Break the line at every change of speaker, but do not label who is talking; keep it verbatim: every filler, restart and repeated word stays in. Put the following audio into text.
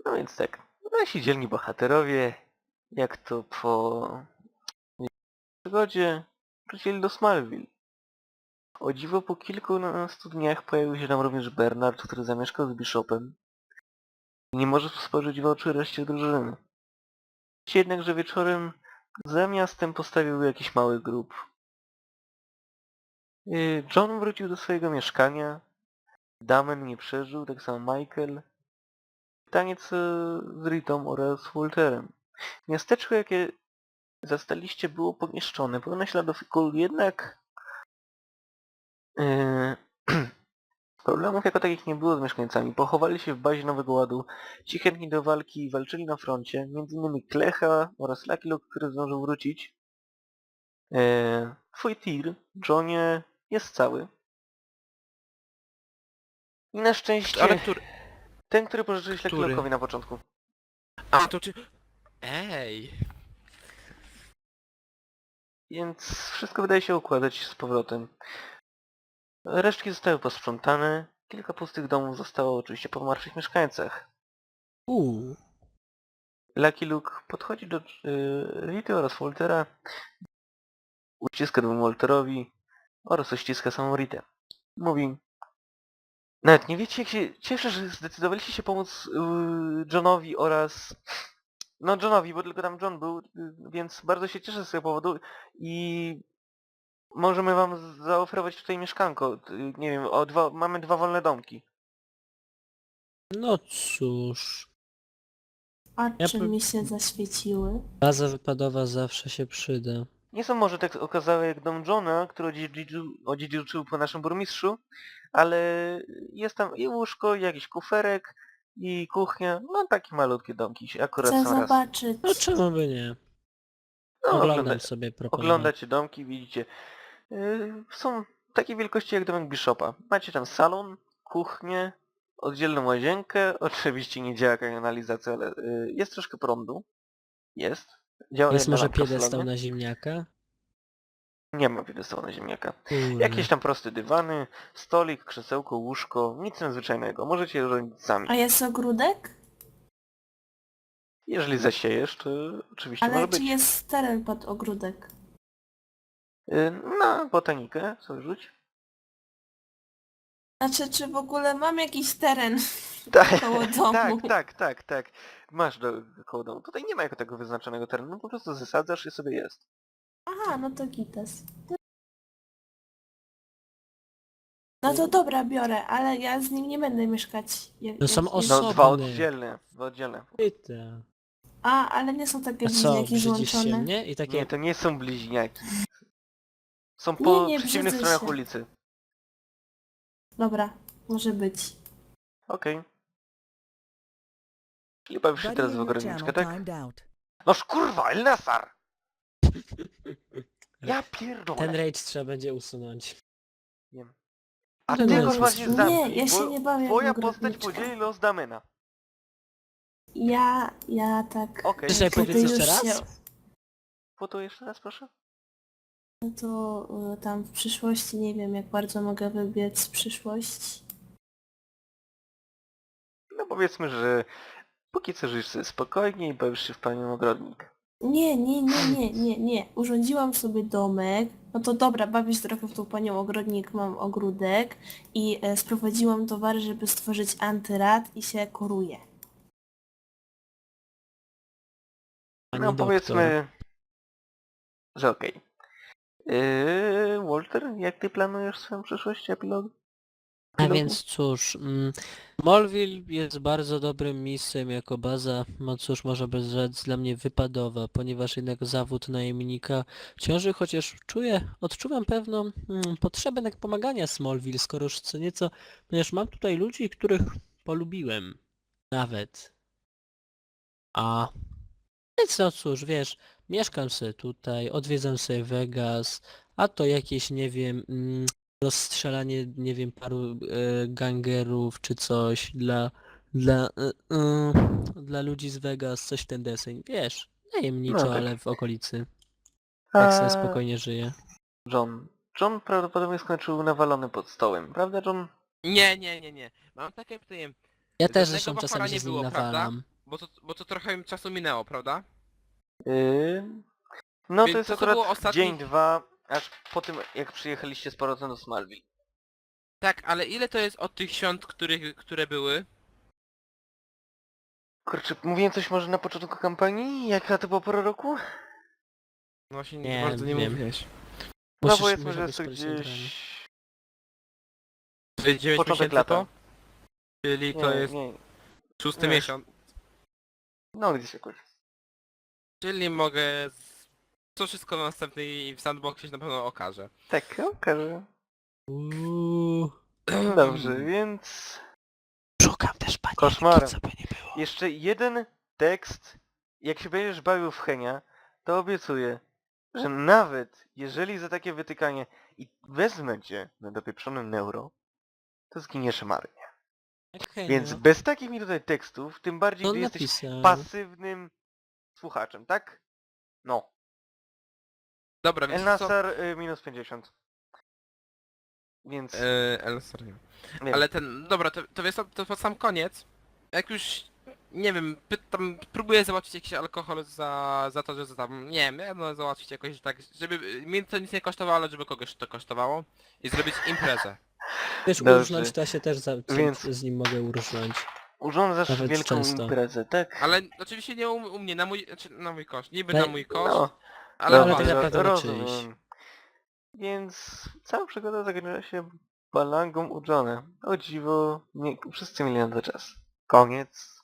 No więc tak, nasi dzielni bohaterowie, jak to po przygodzie, wrócili do Smallville. O dziwo po kilkunastu dniach pojawił się tam również Bernard, który zamieszkał z Bishopem i nie może spojrzeć w oczy reszcie drużyny. Jednakże wieczorem za miastem postawił jakiś mały grób. John wrócił do swojego mieszkania, Damen nie przeżył, tak samo Michael. Pytanie co z Ritą oraz Walterem. Miasteczko, jakie zastaliście, było pomieszczone, pełne śladów kul, jednak yy, problemów jako takich nie było z mieszkańcami. Pochowali się w bazie Nowego Ładu, ci chętni do walki walczyli na froncie, między innymi Klecha oraz Lucky Luke, który zdążył wrócić. Yy, twój tir, Johnie, jest cały. I na szczęście
Ale który...
ten, który pożyczyłeś Lucky
Który?
Luke'owi na początku.
A, to czy... Ej!
Więc wszystko wydaje się układać z powrotem. Resztki zostały posprzątane, kilka pustych domów zostało oczywiście po martwych mieszkańcach.
Uuu.
Lucky Luke podchodzi do yy, Rity oraz Waltera, uściska dwóm Walterowi oraz uściska samą Ritę. Mówi: nawet nie wiecie, jak się cieszę, że zdecydowaliście się pomóc yy, Johnowi oraz... No Johnowi, bo tylko tam John był, yy, więc bardzo się cieszę z tego powodu i możemy wam zaoferować tutaj mieszkanko. Yy, nie wiem, o dwa, mamy dwa wolne domki.
No cóż, Ja
Oczy
po-
mi się zaświeciły.
baza wypadowa zawsze się przyda.
Nie są może tak okazałe jak dom Johna, który odziedziczył, odziedziczył po naszym burmistrzu, ale jest tam i łóżko, i jakiś kuferek, i kuchnia. No takie malutkie domki się akurat
Chcę
są raz.
zobaczyć.
No czemu by nie?
No,
Oglądam
ogląda,
sobie proponowanie.
oglądacie domki, widzicie. Yy, są takiej wielkości jak domek Bishopa. Macie tam salon, kuchnię, oddzielną łazienkę. Oczywiście nie działa kanalizacja, ale yy, jest troszkę prądu. Jest. Działa
Jest
jedna
może
lampka w
piedestał
salonie.
na ziemniaka?
Nie ma piedestału na ziemniaka.
Kurde.
Jakieś tam proste dywany, stolik, krzesełko, łóżko, nic nadzwyczajnego. Możecie je robić sami.
A jest ogródek?
Jeżeli zasiejesz, to oczywiście może
Ale
być.
czy jest teren pod ogródek?
Y, Na botanikę sobie rzuć.
Znaczy, czy w ogóle mam jakiś teren
Tak,
koło domu?
tak, tak, tak, tak. Masz do, koło domu. Tutaj nie ma jako tego wyznaczonego terenu, po prostu zasadzasz i sobie jest.
Aha, no to gites. No to dobra, biorę, ale ja z nim nie będę mieszkać. Jak,
To są
jak-
No
Osobny.
dwa oddzielne, dwa oddzielne.
Pyta.
A, ale nie są takie
A co,
bliźniaki
brzydzisz się
złączone.
mnie? I takie...
Nie, to nie są bliźniaki. Są
Nie,
po
nie,
przeciwnych
brzydzę
stronach
się.
ulicy.
Dobra, może być.
Okej. Czyli bawisz się
Buddy
teraz
in
w
your
ogrodniczkę,
channel
tak?
timed out.
Noż kurwa, Elnasar! Ja pierdolę.
Ten rage trzeba będzie usunąć.
Wiem. A
Ten
ty
rage
go właśnie
jest-
zamknij,
Nie, ja się
bo
nie bawię w
twoja postać
ogrodniczkę.
podzieli los Damena.
Ja, ja tak...
Okej,
Chcesz sobie
kiedy
powiedzieć
już
jeszcze raz?
się-
po to jeszcze raz proszę?
No to y, tam w przyszłości nie wiem, jak bardzo mogę wybiec w przyszłość.
No powiedzmy, że póki co żyjesz sobie spokojnie i bawisz się w panią ogrodnik.
Nie, nie, nie, nie, nie, nie. Urządziłam sobie domek. No to dobra, bawię się trochę w tą panią ogrodnik, mam ogródek i e, sprowadziłam towary, żeby stworzyć antyrad i się koruję.
Pani
No
doktor.
powiedzmy, że okej. Yy, Walter, jak ty planujesz swoją przyszłość, epilog?
A
Epilogu?
więc cóż, mm, Smallville jest bardzo dobrym miejscem jako baza, no cóż, może by rzec dla mnie wypadowa, ponieważ jednak zawód najemnika ciąży, chociaż czuję, odczuwam pewną mm, potrzebę jednak pomagania Smallville, skoro już co nieco, ponieważ mam tutaj ludzi, których polubiłem. Nawet. A... Więc no cóż, wiesz, mieszkam sobie tutaj, odwiedzam sobie Vegas, a to jakieś, nie wiem, mm, rozstrzelanie, nie wiem, paru e, gangerów czy coś dla, dla, e, e, dla ludzi z Vegas, coś w ten deseń, wiesz, najemniczo,
No tak.
ale w okolicy. Tak sobie
A
spokojnie żyję.
John. John prawdopodobnie skończył nawalony pod stołem, prawda John?
Nie, nie, nie, nie. Mam takie pytanie.
Ja też
Żadnego
zresztą
bachora
czasami
nie
się z nim
było, prawda?
nawalam.
bo to, bo to trochę czasu minęło, prawda?
Yy... No
Więc
to jest
to, co
akurat
było ostatni-
dzień, dwa, aż po tym jak przyjechaliście z powrotem do Smallville.
Tak, ale ile to jest od tych świąt, których, które były?
Kurczę, mówiłem coś może na początku kampanii? Jaka to była pora roku?
No właśnie
Nie,
bardzo nie
wiem.
mówiłeś.
No
Musisz-
powiedzmy,
musiał
że
być
jest to
skoncentrowany.
gdzieś...
To jest dziewięć
Początek
miesięcy
lata.
po? Czyli to
Nie,
jest
nie.
szósty
nie.
miesiąc.
No gdzieś jakoś.
Czyli mogę... z- To wszystko na następnej w sandboxie się na pewno okaże.
Tak, okaże.
Uuu.
Dobrze, więc...
Szukam też panienki,
Koszmarem.
co by nie było.
Jeszcze jeden tekst. Jak się będziesz bawił w Henia, to obiecuję, że nawet jeżeli za takie wytykanie i wezmę cię na dopieprzonym neuro, to zginiesz marnie.
Okej,
Więc
no.
bez takich mi tutaj tekstów, tym bardziej
To
gdy jesteś
napisał.
pasywnym słuchaczem, tak? No.
Dobra, więc co?
Elnasar y, minus pięćdziesiąt. Więc...
Eee, El sorry.
wiem.
Ale ten, dobra, to, to wiesz co, to pod sam koniec, jak już, nie wiem, pytam, próbuję załatwić jakiś alkohol za, za to, że za tam, nie wiem, no załatwić jakoś tak, żeby mnie to nic nie kosztowało, ale żeby kogoś to kosztowało i zrobić imprezę.
Wiesz,
Dobrze.
urżnąć to ja się też za,
Więc-
z nim mogę urżnąć.
Urządzasz
Nawet
wielką
często.
imprezę, tak?
Ale oczywiście nie u, u mnie, na mój, znaczy na mój koszt, niby
No
na
i-
mój koszt,
No,
ale,
ale
dobrze,
tak naprawdę na
rozumiem.
czyjś.
Więc cała przygoda zakończyła się balangą u Johna. O dziwo, nie, wszyscy mieli na to czas. Koniec.